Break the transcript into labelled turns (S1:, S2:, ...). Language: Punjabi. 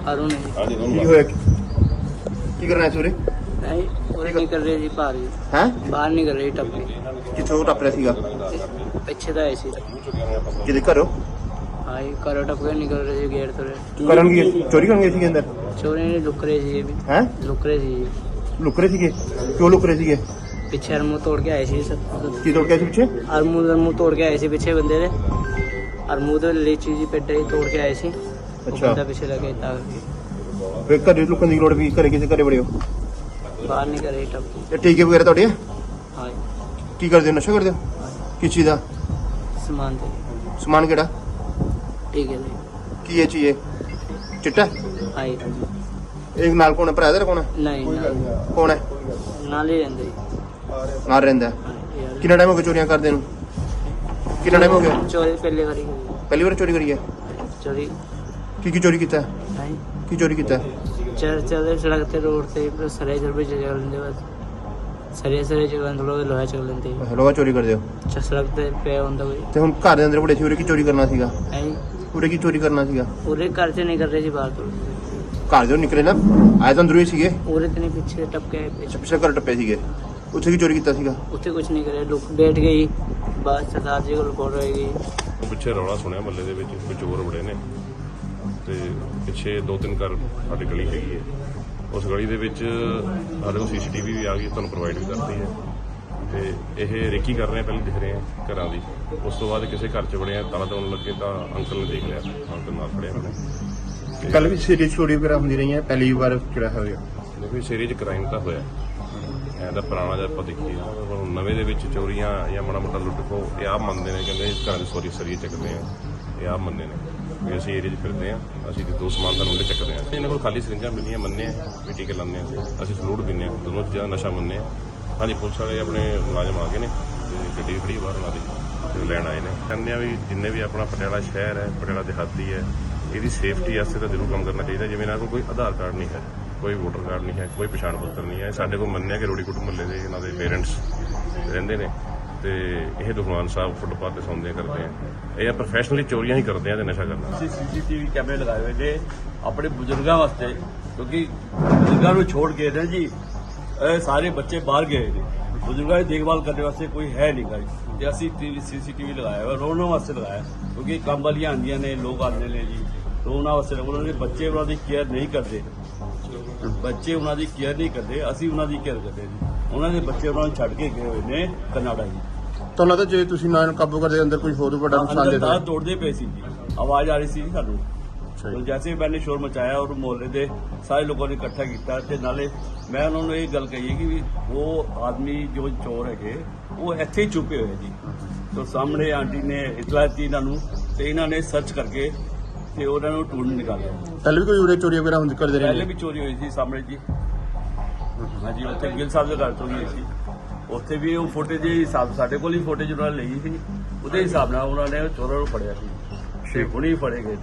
S1: अरुण है जी।
S2: ਕੀ ਹੋਇਆ ਕੀ ਕਰਨਾ ਸੀ ਉਰੇ
S1: नहीं पूरे निकल रहे जी बाहर जी।
S2: ਹੈ
S1: बाहर निकल रही टप के
S2: ਕਿੱਥੋਂ ਟੱਪ ਰਿਹਾ ਸੀਗਾ
S1: पीछे तो ऐसी
S2: ਕਿਹਦੇ ਘਰੋਂ
S1: हाँ जी करो टप के निकल रहे जी गेट तो
S2: ਕਰਨਗੇ ਚੋਰੀ ਕਰਨਗੇ ਸੀਗੇ ਅੰਦਰ
S1: चोरी नहीं लुक रहे जी अभी
S2: ਹੈ
S1: लुक रहे जी
S2: ਲੁਕ ਰਹੇ ਸੀਗੇ ਕਿਉਂ ਲੁਕ ਰਹੇ ਸੀਗੇ
S1: पीछे अरमू तोड़ के आए सी सब
S2: ਕੀ ਤੋੜ ਕੇ ਆਏ ਸੀ ਪਿੱਛੇ
S1: अरमू तोड़ के आए सी पीछे बंदे ने अरमू तो लीची जी पेटे ही तोड़ के आए सी वो
S2: अच्छा।
S1: बंदा पीछे लगे ताकि
S2: ਫਿਰ ਘਰੇ ਲੁਕਣ ਦੀ ਲੋੜ ਵੀ ਘਰੇ ਕਿਸੇ ਘਰੇ ਬੜੇ ਹੋ
S1: बाहर निकल रही टप
S2: ਇਹ ਟੀਕੇ ਵਗੈਰਾ ਤੁਹਾਡੇ ਆ?
S1: हाँ जी
S2: ਕੀ ਕਰਦੇ ਹੋ ਨਸ਼ਾ ਕਰਦੇ ਹੋ ਕਿਸ ਚੀਜ਼ ਦਾ
S1: सामान थे
S2: ਸਮਾਨ ਕਿਹੜਾ
S1: ठीक है जी
S2: ਕੀ ਇਹ ਚੀਜ਼ ਚਿੱਟਾ
S1: हाँ जी
S2: ਇਹ ਨਾਲ ਕੋਣ ਹੈ ਭਰਾ ਦਾ ਕੌਣ ਹੈ
S1: नहीं ना
S2: ਕੌਣ ਹੈ
S1: नाल ही रहते जी।
S2: ਨਾਲ ਰਹਿੰਦਾ ਹੈ।
S1: हाँ जी, यार।
S2: ਕਿੰਨਾ ਟਾਈਮ ਹੋ ਗਿਆ ਚੋਰੀਆਂ ਕਰਦੇ ਨੂੰ ਕਿੰਨਾ ਟਾਈਮ ਹੋ ਗਿਆ
S1: चोरी पहले करी
S2: ਪਹਿਲੀ ਵਾਰ ਚੋਰੀ ਕਰੀ ਹੈ
S1: चोरी
S2: ਕੀ ਚੋਰੀ ਕੀਤਾ ਹੈ?
S1: नहीं
S2: ਕੀ ਚੋਰੀ ਕੀਤਾ ਹੈ?
S1: चलते सड़क ते रोड ते सरे जरूर चल लेंदे बस सरे चल लेंदे लोग लोहा चल लेंदे
S2: ਲੋਹਾ ਚੋਰੀ ਕਰਦੇ ਹੋ
S1: सड़क ते पे होंदा कोई
S2: ਤੇ ਹੁਣ ਘਰ ਦੇ ਅੰਦਰ ਬੜੇ ਸੀ ਉਰੇ ਕੀ ਚੋਰੀ ਕਰਨਾ ਸੀਗਾ
S1: नहीं
S2: ਉਰੇ ਕੀ ਚੋਰੀ ਕਰਨਾ ਸੀਗਾ
S1: पूरे घर से नहीं कर रहे जी बाहर तो
S2: ਘਰ ਦੇ ਨਿਕਲੇ ਨਾ ਆਏ ਤਾਂ ਅੰਦਰੋਂ ਹੀ ਸੀਗੇ
S1: पूरे तो नहीं पीछे टपके पीछे
S2: ਪਿੱਛੇ ਘਰ ਟੱਪੇ ਸੀਗੇ ਉੱਥੇ ਕੀ ਚੋਰੀ ਕੀਤਾ ਸੀਗਾ
S1: ਉੱਥੇ ਕੁਝ ਨਹੀਂ ਕਰਿਆ ਲੋਕ ਬੈਠ ਗਈ ਬਾਅਦ ਸਰਦਾਰ ਜੀ ਕੋਲ ਰਿਪੋਰਟ ਹੋਏਗੀ
S3: ਪਿੱਛੇ ਰੌਲਾ ਸੁਣਿਆ ਮਹੱਲੇ ਦੇ ਵਿੱਚ ਕੋਈ ਚੋਰ ਬੜੇ ਨੇ ਤੇ ਪਿੱਛੇ 2-3 ਘਰ ਸਾਡੀ ਗਲੀ ਹੈਗੀ ਹੈ ਉਸ ਗਲੀ ਦੇ ਵਿੱਚ ਸਾਡੇ ਕੋਲ ਸੀਸੀਟੀਵੀ ਵੀ ਆ ਗਈ ਤੁਹਾਨੂੰ ਪ੍ਰੋਵਾਈਡ ਵੀ ਕਰਤੀ ਹੈ ਤੇ ਇਹ ਰੇਕੀ ਕਰ ਰਹੇ ਆ ਪਹਿਲੇ ਦਿਖ ਰਹੇ ਆ ਘਰਾਂ ਦੀ ਉਸ ਤੋਂ ਬਾਅਦ ਕਿਸੇ ਘਰ 'ਚ ਬੜੇ ਆ ਤਾਲਾ ਲਾਉਣ ਲੱਗੇ ਤਾਂ ਅੰਕਲ ਨੇ ਦੇਖ ਲਿਆ ਅੰਕਲ ਨਾਲ ਖੜਿਆ ਉਹਨੇ
S2: ਕੱਲ ਵੀ ਸੀਰੀਅਸ ਚੋਰੀ ਵਗੈਰਾ ਹੁੰਦੀ ਰਹੀ ਹੈ ਪਹਿਲੀ ਵਾਰ ਕਿਹੜਾ ਹੋਇਆ
S3: ਦੇਖੋ ਸ਼ੇਰੀ 'ਚ ਕ੍ਰਾਈਮ ਤਾਂ ਹੋਇਆ ਇਹਦਾ ਪੁਰਾਣਾ ਜਦ ਆਪਾਂ ਦੇਖੀਏ ਨਾ ਪਰ ਹੁਣ ਨਵੇਂ ਦੇ ਵਿੱਚ ਚੋਰੀਆਂ ਜਾਂ ਮਾੜਾ ਮੋਟਾ ਲੁੱਟ ਖੋ ਇਹ ਆਪ ਮੰਨਦੇ ਨੇ ਕਹਿੰਦੇ ਘਰਾਂ ਦੀ ਸੋਰੀ ਸਰੀਏ ਚੱਕਦੇ ਆ ਇਹ ਆਪ ਮੰਨਦੇ ਨੇ ਵੀ ਅਸੀਂ ਏਰੀਆ 'ਚ ਫਿਰਦੇ ਆ ਅਸੀਂ ਦੋ ਸਮਾਨ ਦਾ ਮੁੰਡੇ ਚੱਕਦੇ ਆ ਇਹਨਾਂ ਕੋਲ ਖਾਲੀ ਸਰਿੰਜਾਂ ਮਿਲੀਆਂ ਮੰਨੇ ਆ ਵੀ ਟੀਕੇ ਲਾਉਂਦੇ ਆ ਅਸੀਂ ਸਲੂਟ ਪੀਂਦੇ ਆ ਦੋਨੋਂ ਚੀਜ਼ਾਂ ਨਸ਼ਾ ਮੰਨੇ ਆ ਹਾਂਜੀ ਪੁਲਿਸ ਵਾਲੇ ਆਪਣੇ ਮੁਲਾਜ਼ਮ ਆ ਗਏ ਨੇ ਤੇ ਗੱਡੀ ਖੜੀ ਬਾਹਰ ਉਹਨਾਂ ਦੀ ਤੇ ਲੈਣ ਆਏ ਨੇ ਕਹਿੰਦੇ ਆ ਵੀ ਜਿੰਨੇ ਵੀ ਆਪਣਾ ਪਟਿਆਲਾ ਸ਼ਹਿਰ ਹੈ ਪਟਿਆਲਾ ਦਿਹਾਤੀ ਹੈ ਇਹਦੀ ਸੇਫਟੀ ਵਾਸਤੇ ਤਾਂ ਜ਼ਰੂਰ ਕੰਮ ਕਰਨਾ ਚਾਹੀਦਾ ਜਿਵੇਂ ਇਹਨਾਂ ਕੋਲ ਕੋਈ ਆਧਾਰ ਕਾਰਡ ਨਹੀਂ ਹੈ ਕੋਈ ਵੋਟਰ ਕਾਰਡ ਨਹੀਂ ਹੈ ਕੋਈ ਪਛਾਣ ਪੱਤਰ ਨਹੀਂ ਹੈ ਸਾਡੇ ਕੋਲ ਮੰਨਿਆ ਕਿ ਰੋੜੀਕੁੱਟ ਮੁਹੱਲੇ ਦੇ ਇਹਨਾਂ ਦੇ ਪੇਰੈਂਟਸ ਰਹਿੰਦੇ ਨੇ ਤੇ ਇਹ ਦੁਕਾਨ ਸਾਹਿਬ ਫੁੱਟਪਾਥ ਤੇ ਸੌਂਦੇ ਕਰਦੇ ਆ ਇਹ ਪ੍ਰੋਫੈਸ਼ਨਲੀ ਚੋਰੀਆਂ ਹੀ ਕਰਦੇ ਆ ਤੇ ਨਸ਼ਾ ਕਰਨਾ
S4: ਅਸੀਂ ਸੀਸੀਟੀਵੀ ਕੈਮਰੇ ਲਗਾਏ ਹੋਏ ਨੇ ਆਪਣੇ ਬਜ਼ੁਰਗਾਂ ਵਾਸਤੇ ਕਿਉਂਕਿ ਬਜ਼ੁਰਗਾਂ ਨੂੰ ਛੋੜ ਕੇ ਨੇ ਜੀ ਇਹ ਸਾਰੇ ਬੱਚੇ ਬਾਹਰ ਗਏ ਨੇ ਬਜ਼ੁਰਗਾਂ ਦੀ ਦੇਖਭਾਲ ਕਰਨ ਵਾਸਤੇ ਕੋਈ ਹੈ ਨਹੀਂ ਗਾ ਜੀ ਤੇ ਅਸੀਂ ਸੀਸੀਟੀਵੀ ਲਗਾਇਆ ਹੋਇਆ ਉਹਨਾਂ ਵਾਸਤੇ ਲਗਾਇਆ ਕਿਉਂਕਿ ਕੰਮ ਵਾਲੀਆਂ ਆਉਂਦੀਆਂ ਨੇ ਲੋਕ ਆਉਂਦੇ ਨੇ ਜੀ ਤੇ ਉਹਨਾਂ ਵਾਸਤੇ ਉਹਨਾਂ ਦੇ ਬੱਚੇ ਉਹਨਾਂ ਦੀ ਕੇਅਰ ਨਹੀਂ ਕਰਦੇ ਬੱਚੇ ਉਹਨਾਂ ਦੀ ਕੇਅਰ ਨਹੀਂ ਕਰਦੇ ਅਸੀਂ ਉਹਨਾਂ ਦੀ ਕੇਅਰ ਕਰਦੇ ਜੀ ਉਹਨਾਂ ਦੇ ਬੱਚੇ ਉਹਨਾਂ ਨੂੰ ਛੱਡ ਕੇ ਗਏ ਹੋਏ ਨੇ ਕਨਾਡਾ ਜੀ
S2: ਤੁਹਾਨੂੰ ਲੱਗਦਾ ਜੇ ਤੁਸੀਂ ਨਾ ਇਹਨੂੰ ਕਾਬੂ ਕਰਦੇ ਅੰਦਰ ਕੋਈ ਹੋਰ ਵੱਡਾ ਨੁਕਸਾਨ ਦੇ
S4: ਅੰਦਰ ਤੋੜਦੇ ਪਏ ਸੀ ਜੀ ਆਵਾਜ਼ ਆ ਰਹੀ ਸੀ ਸਾਨੂੰ तो जैसे ही मैंने शोर मचाया और मोहल्ले के सारे लोगों ने इकट्ठा किया ते नाले मैं उन्होंने ये गल कही है कि वो आदमी जो चोर है वो इत्थे ही छुपे हुए जी तो सामने आंटी ने इतला दी इन्हों तो इन्होंने सर्च करके ते उन्होंने ढूंढ निकाले
S2: ਪਹਿਲੇ ਵੀ ਕੋਈ ਉਰੇ ਚੋਰੀ ਵਗੈਰਾ ਹੁੰਦੀ ਕਰਦੇ
S4: पहले
S2: ਰਹੇ
S4: भी चोरी हुई थी सामने जी हाँ जी उत्थे गिल साहब के घर चोरी हुई थी उत्थे भी वो फुटेज हिसाब साढ़े को फुटेज उन्होंने ली थी उस हिसाब ਨਾਲ उन्होंने चोरों को फड़िया सी हुणी फड़े गए